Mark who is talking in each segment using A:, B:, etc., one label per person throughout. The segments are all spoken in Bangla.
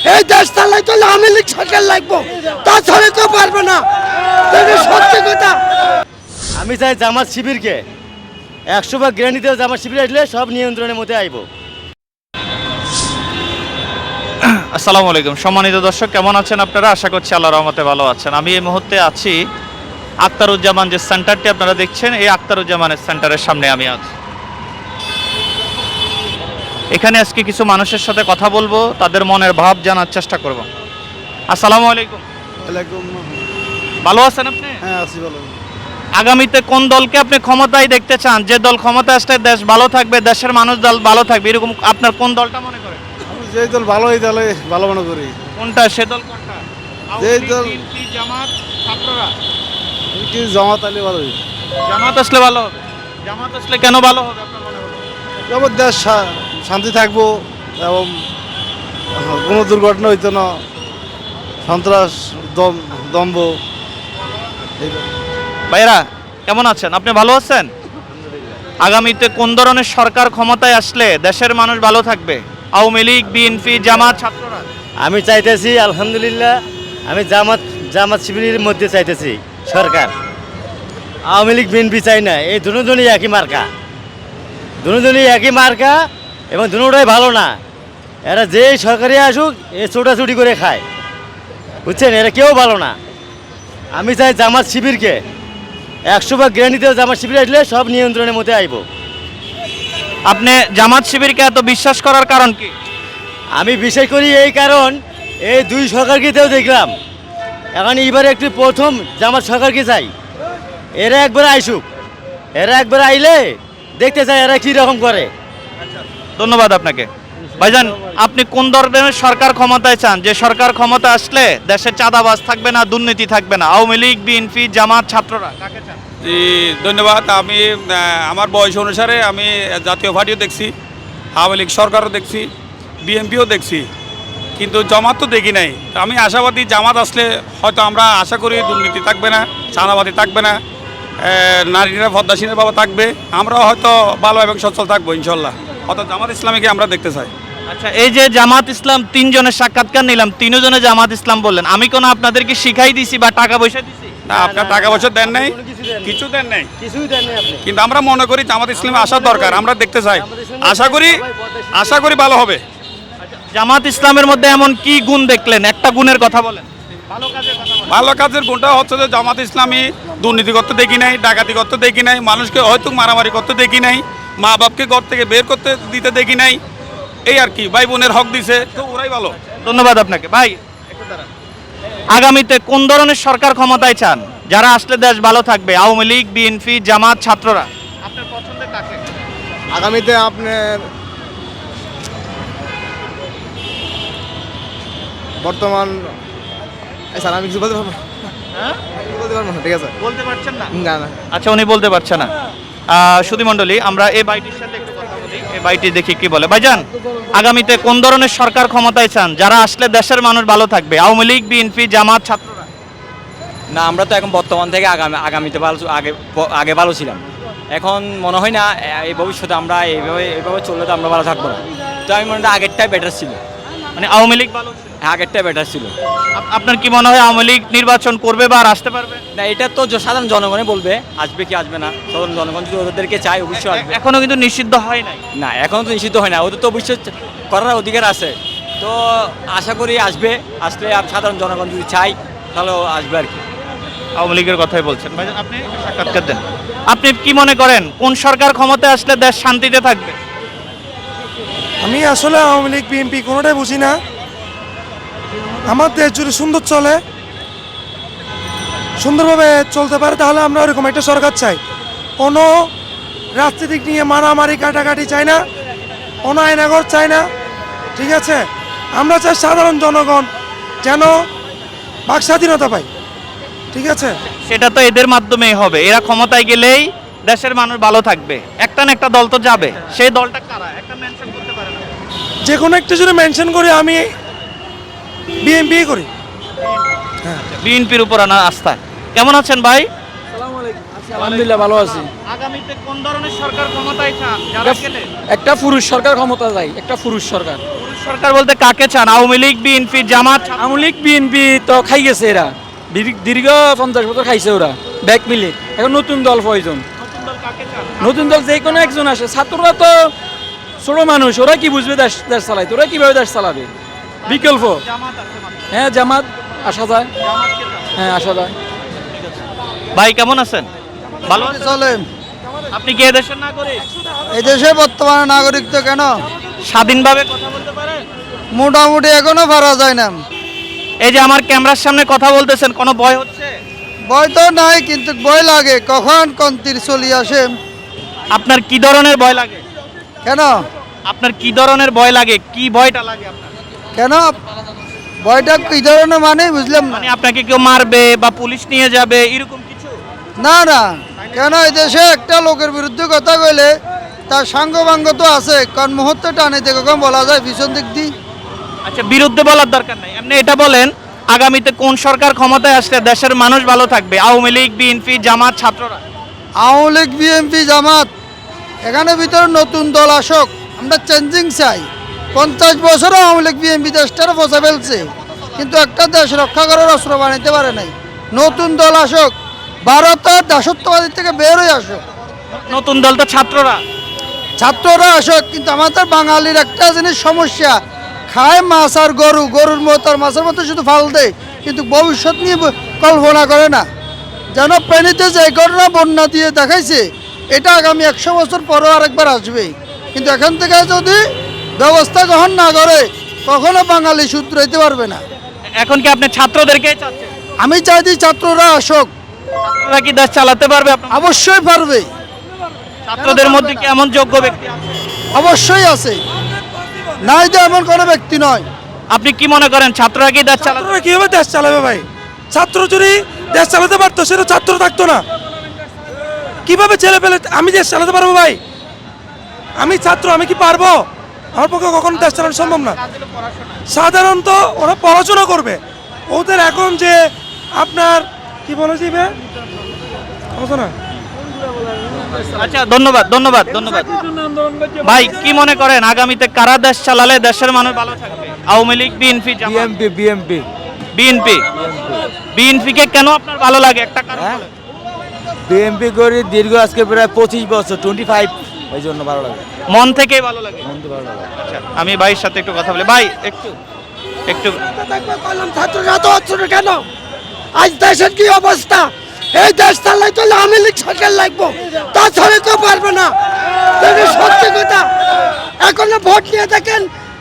A: এই দেশ চালাইতে হলে আওয়ামী লীগ সরকার লাগবো, তাছাড়া কেউ পারবে না। সত্যি কথা।
B: আমি চাই জামাত শিবিরকে 100 গ্যারান্টি দেওয়া, জামাত শিবির আসলে সব নিয়ন্ত্রণের মধ্যে আইব।
C: আসসালামু আলাইকুম সম্মানিত দর্শক, কেমন আছেন আপনারা? আশা করছি আল্লাহর রহমতে ভালো আছেন। আমি এই মুহূর্তে আছি আখতারুজ্জামান যে সেন্টারটি আপনারা দেখছেন, এই আখতারুজ্জামানের সেন্টারের সামনে আমি আছি। এখানে আজকে কিছু মানুষের সাথে কথা বলবো, তাদের মনের ভাব জানার চেষ্টা করব। আসসালামু আলাইকুম। ভালো আছেন আপনি?
D: হ্যাঁ আছি ভালো।
C: আগামীতে কোন দলকে আপনি ক্ষমতায় দেখতে চান? যে দল ক্ষমতায় আসলে দেশ ভালো থাকবে, দেশের মানুষ দল ভালো থাকবে, এরকম আপনার কোন দলটা মনে করেন?
D: আমি যে দল ভালো এই দলে ভালো মনে করি।
C: কোনটা সে দল? কোনটা?
D: যে দল
C: বিএনপি, জামাত, ছাত্ররা?
D: কি জামাত আলী ভালো।
C: জামাত আসলে ভালো হবে। জামাত আসলে কেন ভালো হবে আপনার মনে হলো?
D: যেমন দেশ শান্তি থাকবো এবং কোনো দুর্ঘটনা হইতো না, সন্ত্রাস দম্ভ।
C: ভাইরা কেমন আছেন? আপনি ভালো আছেন? আগামীতে কোন ধরনের সরকার ক্ষমতায় আসলে দেশের মানুষ ভালো থাকবে? আওয়ামী লীগ, বিএনপি, জামাত, ছাত্ররা?
B: আমি চাইতেছি আলহামদুলিল্লাহ, আমি জামাত শিবিরের মধ্যে চাইতেছি সরকার। আওয়ামী লীগ বিএনপি চাই না, এই দুজনই একই মার্কা, দুজনই একই মার্কা এবং দুটোটাই ভালো না। এরা যেই সরকারি আসুক এ ছোটাছুটি করে খায়, বুঝছেন? এরা কেউ ভালো না। আমি চাই জামাত শিবিরকে 100 গ্যারান্টি দেওয়া, জামাত শিবির আসলে সব নিয়ন্ত্রণের মধ্যে আইব।
C: আপনি জামাত শিবিরকে এত বিশ্বাস করার কারণ কি?
B: আমি বিশ্বাস করি এই কারণ, এই দুই সরকারকেও দেখলাম, এখন এবারে একটু প্রথম জামাত সরকারকে চাই। এরা একবার আইসুক, এরা একবার আইলে দেখতে চাই এরা কী রকম করে।
C: ধন্যবাদ আপনাকে। ভাইজান, আপনি কোন ধরনের সরকার ক্ষমতায় চান? যে সরকার ক্ষমতা আসলে দেশে চাঁদাবাজ থাকবে না, দুর্নীতি থাকবে না? আওয়ামী লীগ, বিএনপি, জামাত, ছাত্ররা? কাকে চান?
E: জি ধন্যবাদ। আমি আমার বয়স অনুসারে আমি জাতীয় পার্টিও দেখছি, আওয়ামী লীগ সরকারও দেখছি, বিএনপিও দেখছি, কিন্তু জামাত তো দেখি নাই। আমি আশাবাদী জামাত আসলে হয়তো আমরা আশা করি দুর্নীতি থাকবে না, চাঁদাবাদি থাকবে না, নারীরা পদ্মাসীনের বাবা থাকবে, আমরাও হয়তো ভালো এবং সচ্ছল থাকবো ইনশাল্লাহ। অর্থাৎ জামাত ইসলামীকে আমরা দেখতে চাই।
C: আচ্ছা, এই যে জামাত ইসলাম, তিনজনের সাক্ষাৎকার নিলাম, তিনজনে জামাত ইসলাম বললেন, আমি কোনো আপনাদেরকে শিখাই দিছি বা টাকা পয়সা দিছি?
E: না, আপনার টাকা পয়সা দেন নাই, কিছু দেন নাই,
B: কিছুই দেন নাই আপনি।
E: কিন্তু আমরা মনে করি জামাত ইসলামে আসার দরকার, আমরা দেখতে চাই। আশা করি ভালো হবে।
C: জামাত ইসলামের মধ্যে এমন কি গুণ দেখলেন? একটা গুণের কথা বলেন।
E: ভালো কাজের গুণটা হচ্ছে যে জামাত ইসলামী দুর্নীতি করতে দেখি নাই, ডাকাতি করতে দেখি নাই, মানুষকে হয়তো মারামারি করতে দেখি নাই, মা বাপকে ঘর থেকে বের করতে দিতে দেখি নাই, এই আর কি। ভাই বোনের হক দিছে, তো ওরাই ভালো।
C: ধন্যবাদ আপনাকে। ভাই, আগামীতে কোন ধরনের সরকার ক্ষমতায় চান? যারা আসলে দেশ ভালো থাকবে? আওয়ামী লীগ, বিএনপি, জামাত, ছাত্ররা? আপনার পছন্দের কাকে?
D: আগামীতে আপনার বর্তমান স্যার আমি কিছু বলতে পারবো না।
C: হ্যাঁ,
D: বলতে পারবো না, ঠিক আছে?
C: বলতে পারছেন না?
D: না না
C: আচ্ছা, উনি বলতে পারছে না। সুধী মণ্ডলী, আমরা এই বাইটির সাথে একটু কথা বলি, এই বাইটি দেখি কি বলে। ভাইজান, আগামীতে কোন ধরনের সরকার ক্ষমতায় চান? যারা আসলে দেশের মানুষ ভালো থাকবে? আওয়ামী লীগ, বিএনপি, জামাত, ছাত্ররা?
F: না, আমরা তো এখন বর্তমান থেকে আগামীতে ভালো, আগে ভালো ছিলাম। এখন মনে হয় না এই ভবিষ্যতে আমরা এইভাবে চললে তো আমরা ভালো থাকবো না। তো আমি মনে হয় আগেরটাই বেটার ছিল,
C: মানে আওয়ামী লীগ ভালো ছিল?
F: আগেরটাই বেটার ছিল।
C: আপনার কি মনে হয় আওয়ামী লীগ নির্বাচন করবে বা আর আসতে পারবে?
F: না, এটা তো সাধারণ জনগণই বলবে আসবে কি আসবে না। সাধারণ জনগণ যদি ওদেরকে চায় অবশ্যই আসবে।
C: এখনো কিন্তু নিষিদ্ধ হয় নাই।
F: না, এখনও তো নিষিদ্ধ হয় না, ওদের তো অবশ্যই করার অধিকার আছে। তো আশা করি আসবে, আসলে আর সাধারণ জনগণ যদি চায় তাহলে আসবে আর কি।
C: আওয়ামী লীগের কথাই বলছেন। ভাইজান, আপনি একটু সাক্ষাৎকার দেন। আপনি কি মনে করেন কোন সরকার ক্ষমতায় আসলে দেশ শান্তিতে থাকবে?
A: আমি আসলে আওয়ামী লীগ বিএনপি কোনোটাই বুঝি না। আমার দেশ যদি সুন্দর চলে, সুন্দরভাবে চলতে পারে, তাহলে আমরা ওরকম একটা সরকার চাই। কোনো রাজনীতিক নিয়ে মারামারি কাটাকাটি চাই না, কোনো আইনাগর চাই না, ঠিক আছে? আমরা চাই সাধারণ জনগণ যেন বাক স্বাধীনতা পায়, ঠিক আছে?
C: সেটা তো এদের মাধ্যমেই হবে। এরা ক্ষমতায় গেলেই দেশের মানুষ ভালো থাকবে। একটা না একটা দল তো যাবে, সেই দলটা কারা? একটা মেনশন করতে পারেন?
A: যে কোনো একটা যদি মেনশন করি, আমি বিএনপি করি।
C: বিএনপির উপর আনা আস্থা। কেমন আছেন ভাই?
G: আলহামদুলিল্লাহ ভালো আছি।
C: আগামীতে কোন ধরনের সরকার ক্ষমতায় চান? যারা গেলে
G: একটা পুরুষ সরকার ক্ষমতা যায়, একটা পুরুষ সরকার।
C: পুরুষ সরকার বলতে কাকে চান? Awami League, BNP, Jamaat?
G: Awami League BNP তো খাই গেছে এরা, দীর্ঘ 50 বছর খাইছে ওরা ব্যাক মিলে। এখন নতুন দল প্রয়োজন, নতুন দল যে কোনো একজন আসে। ছাত্ররা তো ছোট মানুষ, ওরা কি বুঝবে দেশ দেশ চালাইতে, ওরা কিভাবে দেশ চালাবে? বিকল্প হ্যাঁ জামাত আসা যায়, হ্যাঁ আসা যায়।
C: ভাই কেমন আছেন? ভালো আছেন?
D: চলে
C: আপনি কি এদেশের নাগরিক?
D: এই দেশে বর্তমানে নাগরিক তো কেন
C: স্বাধীনভাবে কথা বলতে পারেন?
D: মোটামুটি এখনো পারা যায় না।
C: এই যে আমার ক্যামেরার সামনে কথা বলতেছেন, কোনো ভয় হচ্ছে?
D: ভয় তো নাই, কিন্তু ভয় লাগে কখন কোন তীর চলি আসে।
C: আপনার কি ধরনের ভয় লাগে?
D: কেন
C: আপনার কি ধরনের ভয় লাগে? কি ভয়টা লাগে আপনার?
D: কেন ভয়টা কি ধরনের মানে বুঝলাম না।
C: মানে আপনাকে কেউ মারবে বা পুলিশ নিয়ে যাবে এরকম কিছু?
D: না না, কেন এই দেশে একটা লোকের বিরুদ্ধে কথা কইলে তার সাঙ্গবাঙ্গ তো আছে, কোন মুহূর্তে টানিতে কখন বলা যায় পিছন দিক দিয়ে।
C: আচ্ছা, বিরুদ্ধে বলার দরকার নাই, আপনি এটা বলেন আগামীতে কোন সরকার ক্ষমতায় আসলে দেশের মানুষ ভালো থাকবে? আওয়ামী লীগ, বিএনপি, জামাত, ছাত্ররা?
D: আওয়ামী লীগ, বিএনপি, জামাত, এখানে ভিতরে নতুন দল আসুক, আমরা চেঞ্জিং চাই। 50 বছরও আওয়ামী লীগ, বিএনপি দেশটারে বসে ফেলছে, কিন্তু একটা দেশ রক্ষা করার অস্ত্র বানাইতে পারে নাই। নতুন দল আসুক, ভারতের দাসত্ববাদী থেকে বের হয়ে আসুক,
C: নতুন দল তো ছাত্ররা।
D: ছাত্ররা আসুক। কিন্তু আমাদের বাঙালির একটা জিনিস সমস্যা, খায় মাছ আর গরু, গরুর মতো আর মাছের মতো শুধু ফাল দেয়, কিন্তু ভবিষ্যৎ নিয়ে কল্পনা করে না। যেন প্রাণীতে যে ঘটনা বন্যা দিয়ে দেখাইছে, এটা আগামী 100 বছর পরেও আরেকবার আসবে। কিন্তু এখান থেকে যদি ব্যবস্থা গ্রহণ না করে, কখনো বাঙালি শুধরাইতে পারবে না।
C: এখন কি আপনি ছাত্রদেরকে চাচ্ছেন?
D: আমি চাইছি ছাত্ররা আসুক,
C: ছাত্ররা কি দেশ চালাতে পারবে?
D: অবশ্যই পারবে,
C: ছাত্রদের মধ্যে কি এমন যোগ্য ব্যক্তি আছে?
D: অবশ্যই আছে, নাই যে এমন কোনো ব্যক্তি নয়।
C: আপনি কি মনে করেন ছাত্ররা কি দেশ চালাতে?
A: ছাত্ররা কিভাবে দেশ চালাবে ভাই? ছাত্র যদি দেশ চালাতে পারতো সেটা ছাত্র থাকতো না। কিভাবে ছেলে পেলে আমি দেশ চালাতে পারবো ভাই? আমি ছাত্র, আমি কি পারবো? আমার পক্ষে কখনো দেশ চালানো সম্ভব না। সাধারণত ওরা পড়াশোনা করবে, ওদের এখন যে আপনার কি বলে দিবে না।
C: আচ্ছা, ধন্যবাদ ধন্যবাদ ধন্যবাদ। ভাই কি মনে করেন আগামীতে কারা দেশ চালালে দেশের মানুষ ভালো থাকবে? Awami League, BNP, Jamaat?
G: BMP
C: BNP. BNP কে কেন আপনার ভালো লাগে একটা কারণ বলেন।
G: বিএমপি করি দীর্ঘ আজকে প্রায় 25 বছর, 25, এই জন্য ভালো লাগে।
C: মন থেকেই ভালো লাগে।
G: ভালো লাগে।
C: আচ্ছা, আমি ভাইয়ের সাথে একটু কথা বলি। ভাই একটু একটু
A: ছাত্ররা তো হচ্ছে না কেন? আজ দেশের কি অবস্থা? এই দেশ চালাইতে হলে আওয়ামী লীগ সরকার লাগবো, তাছাড়া কেউ পারবে না। সত্যি কথা, এখন ভোট নিয়ে দেখেন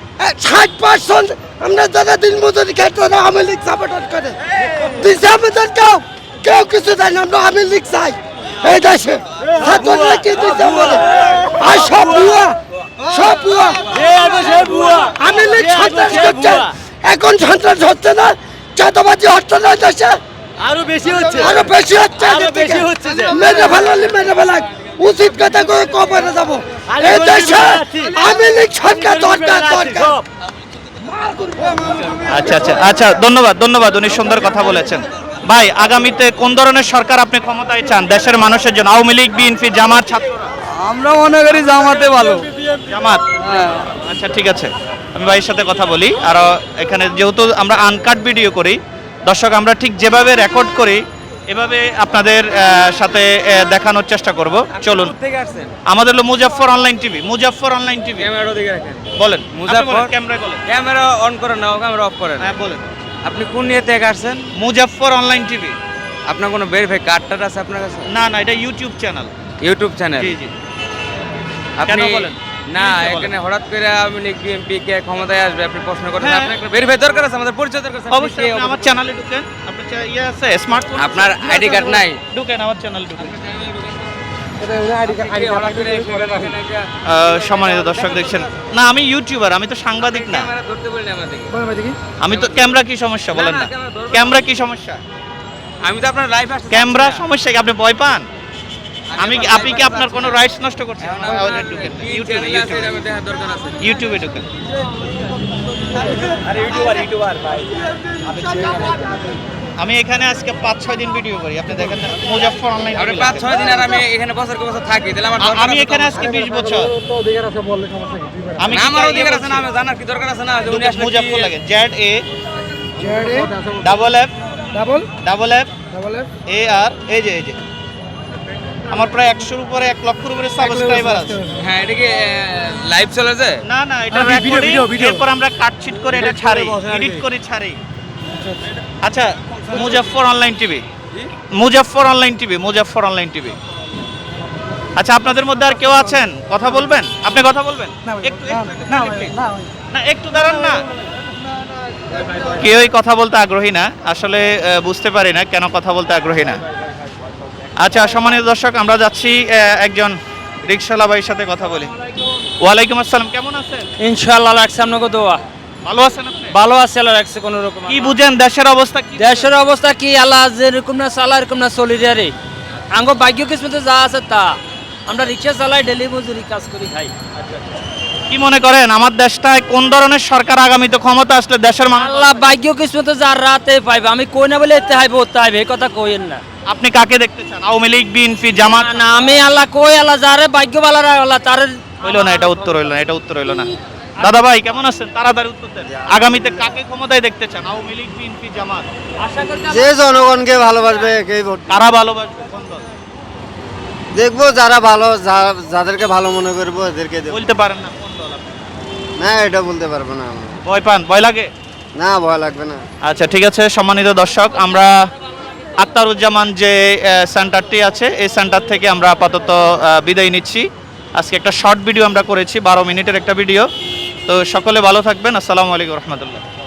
A: 60% আমরা যারা দিন মজুরি খাই তারা আওয়ামী লীগ সাপোর্ট করে দিচ্ছে। আমাদের কেউ কেউ কিছু দেয় না, আমরা আওয়ামী লীগ চাই এই দেশে। ছাত্ররা কি দিচ্ছে বলে? আর সব ভুয়া, সব ভুয়া। আওয়ামী লীগ সন্ত্রাস করছে, এখন সন্ত্রাস হচ্ছে না, চাঁদাবাজি হচ্ছে না দেশে,
G: আরো বেশি হচ্ছে,
A: আরো বেশি হচ্ছে,
G: আরো বেশি হচ্ছে যে।
A: মেরে ফেলালি মেরে ফেলাক, উচিত কথা করে কবরে যাবো। এই দেশে আওয়ামী লীগ সরকার দরকার দরকার।
C: আচ্ছা আচ্ছা আচ্ছা, ধন্যবাদ ধন্যবাদ, উনি সুন্দর কথা বলেছেন। ভাই আগামীতে কোন ধরনের সরকার আপনি ক্ষমতায় চান দেশের মানুষের জন্য? আওয়ামী লীগ, বিএনপি, জামাত, ছাত্ররা?
G: আমরা মনে করি জামাতে ভালো।
C: জামাত। আচ্ছা ঠিক আছে, আমি ভাইয়ের সাথে কথা বলি। আর এখানে যেহেতু আমরা আনকাট ভিডিও করি, দর্শক আমরা ঠিক যেভাবে রেকর্ড করি এভাবে আপনাদের সাথে দেখানোর চেষ্টা করব। চলুন, আমাদের হলো Muzaffar online TV. Muzaffar online TV,
F: camera দিকে রাখেন।
C: বলেন
F: মুজাফফর
C: ক্যামেরায় বলেন।
F: ক্যামেরা অন করেন না, ক্যামেরা অফ করেন।
C: হ্যাঁ বলেন।
F: আপনি কোন নিয়ে থেকে আসছেন?
C: Muzaffar online TV.
F: আপনার কোনো ভেরিফাই কার্ডটা আছে আপনার কাছে?
C: না না, এটা ইউটিউব চ্যানেল।
F: YouTube channel?
C: জি জি।
F: আপনি
C: কেন বলেন?
F: না,
C: Please বলেন।
F: এখানে হঠাৎ করে আওয়ামী লীগ বিএনপি কে ক্ষমতায় আসবে আপনি প্রশ্ন করেন।
C: হ্যাঁ।
F: আপনার একটা ভেরিফাই দরকার আছে, আমাদের পরিচয় দরকার আছে। আপনি
C: অবশ্যই
F: কে?
C: আপনি আমার চ্যানেলে ঢুকেন। আপনার ইয়ে আছে স্মার্টফোন?
F: আপনার আইডি কার্ড নাই?
C: ঢুকেন আমার চ্যানেলে ঢুকেন।
F: আপনি কি হঠাৎ করে এখানে একটা
C: সম্মানিত দর্শক দেখছেন, না আমি ইউটিউবার, আমি তো সাংবাদিক না।
F: ক্যামেরা ধরতে বলিনি আমাদেরকে।
C: আমি তো ক্যামেরা কি সমস্যা বলেন
F: না,
C: না?
F: ক্যামেরা ধরবো।
C: ক্যামেরা কি সমস্যা?
F: আমি তো আপনার লাইভ আসছি।
C: ক্যামেরা সমস্যা কি? আপনি ভয় পান? আপনি কি আপনার কোনো রাইটস নষ্ট করছেন? ঢুকেন ইউটিউবে,
F: দেখার দরকার আছে।
C: ইউটিউবে ঢুকেন। আমি এখানে আজকে 5-6 দিন ভিডিও করি, আপনি দেখেন না মুজাফফর অনলাইন।
F: আপনি 5-6 দিন আর আমি এখানে বছর থাকি, তাহলে আমার
C: আমি এখানে আজকে 20 বছর। আমি
F: আমার অধিকার আছে না, আমি জানার কি দরকার আছে না যে উনি আসলে
C: মুজাফফর লাগে ZA ডাবল এফ AR, এই যে আমার প্রায় 100-র উপরে 1 লক্ষের উপরে সাবস্ক্রাইবার আছে।
F: হ্যাঁ, এটা কি লাইভ চলে যায়?
C: না না, এটা রেকর্ডিং, এরপর আমরা কাটছিট করে এটা ছাড়ি, এডিট করে ছাড়ি। আচ্ছা, Muzaffar online TV, Muzaffar online TV, Muzaffar online TV. আচ্ছা, আপনাদের মধ্যে আর কেউ আছেন কথা বলবেন? আপনি কথা বলবেন? একটু না, একটু দাঁড়ান না। কেউই কথা বলতে আগ্রহী না, আসলে বুঝতে পারি না কেন কথা বলতে আগ্রহী না। আচ্ছা, সম্মানিত দর্শক, আমরা যাচ্ছি একজন রিকশাওয়ালা ভাইয়ের সাথে কথা বলি। ওয়ালাইকুম আসসালাম, কেমন আছেন?
G: ইনশাআল্লাহ রাখছে আপনাকে দোয়া।
C: ভালো আছেন আপনি?
G: ভালো আছে, আল্লাহ রাখছে কোনো রকম।
C: কি বুঝেন দেশের অবস্থা কি?
G: দেশের অবস্থা কি আল্লাহ যেরকম না চালা এরকম না চলি রে। আঙ্গ ভাগ্য কিসমতে যা আছে তা, আমরা রিক্সা চালাই, ডেলি মজুরি কাজ করি খাই।
C: কি মনে করেন আমার দেশটায় কোন ধরনের সরকার আগামীতে ক্ষমতা আসলে দেশের মানুষ?
G: আল্লাহ ভাগ্য কিসমতে যার রাতে পাইবে, আমি কই না বলে এতে হাইব ওতে হাইবে, এই কথা কইেন না।
C: আপনি কাকে দেখতে চান? Awami League, BNP, Jamaat?
G: না, আমি আল্লাহ কই আল্লাহ যারে ভাগ্য বালারা আল্লাহ তারে।
C: হইলো না, এটা উত্তর হইলো না, এটা উত্তর হইলো না। দাদা ভাই কেমন আছেন? তাড়াতাড়ি উত্তর দেন। আগামীতে কাকে ক্ষমতায় দেখতে চান? Awami League, BNP, Jamaat?
G: আশা করি
D: যে জনগণকে ভালোবাসবে একেই ভোট।
C: কারা ভালোবাসবে? কোন দল?
D: দেখবো যারা ভালো, যাদেরকে ভালো মনে করবো এদেরকে দেবো।
C: বলতে পারেন না কোন দল আপনি?
D: না, এটা বলতে পারবো না আমরা।
C: ভয় পান? ভয় লাগে?
D: না, ভয় লাগবে না।
C: আচ্ছা, ঠিক আছে। সম্মানিত দর্শক, আমরা আক্তারুজ্জামান যে সেন্টারটি আছে এই সেন্টার থেকে আমরা আপাতত বিদায় নিচ্ছি। আজকে একটা শর্ট ভিডিও আমরা করেছি, 12 মিনিটের একটা ভিডিও। তো সকলে ভালো থাকবেন। আসসালামু আলাইকুম রহমতুল্লাহ।